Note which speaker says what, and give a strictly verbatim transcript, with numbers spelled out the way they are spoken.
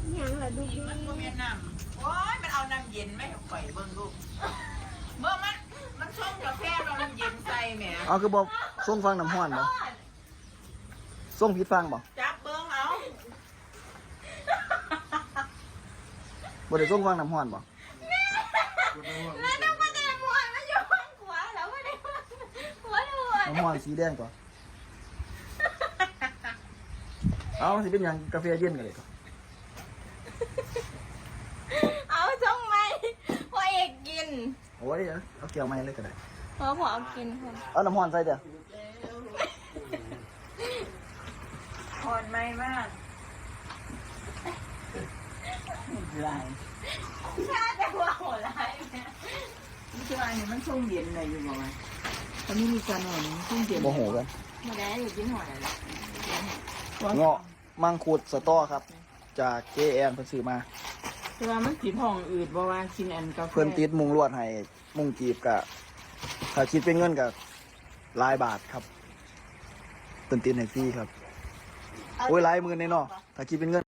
Speaker 1: ยังละดูดี
Speaker 2: มันเวียดนามโอ้ยมันเอาน้ำเย็นไม่ให้ข่อยเบิ่งลูกเบิ่งมันมันชงกาแฟเราน้ำเย็นใส่แหม
Speaker 3: เอาคือบอกส่งฟังน้ำห้อนบ่ส่งผิดฟังบ่
Speaker 2: จับเบิ่งเอา
Speaker 3: บ่ได้ส่งฟังน้ำห้อนบ่
Speaker 1: แล้วต้องมาแต่หมวนมาอยู่ข้างขวาแล้วไม่ได้หัวหัว
Speaker 3: น้ำห้อนสีแดงกว่าเอาสิเป็นหยังกาแฟเย็นกันเลยก็
Speaker 1: เอาจ้องไหมพ่อเอกกิน
Speaker 3: โอ้ยเอาเกี่ยวไม้เลยก็ได้
Speaker 1: พอพอเอากินค่ะ
Speaker 3: เอาน้ำห้อนใส่เด้อ
Speaker 2: อ่อนไม่มากไร
Speaker 1: ชาแต่หัวหัวร้ายแม่
Speaker 2: นี่คืออันนี้มันชงเย็นเลยอยู่บ่ไหมตอนนี้มีการหน่อยมันชงเย็น
Speaker 3: บ่โหกัน
Speaker 1: มาแล้วอยู่กินหอยแล้ว
Speaker 3: เงาะมังคุดสตอครับ จาก เจ แอน เพิ่นซื้อมา
Speaker 2: คือว่ามันสีผ่องอืดบ่ว่ากินอันกาแฟ
Speaker 3: เพิ่นติดมุงลวดให้มุงจีบกะถ้าคิดเป็นเงินกะหลายบาทครับเพิ่นติดให้ฟรีครับโอ้ยหลายหมื่นแน่เนาะถ้าคิดเป็นเงิน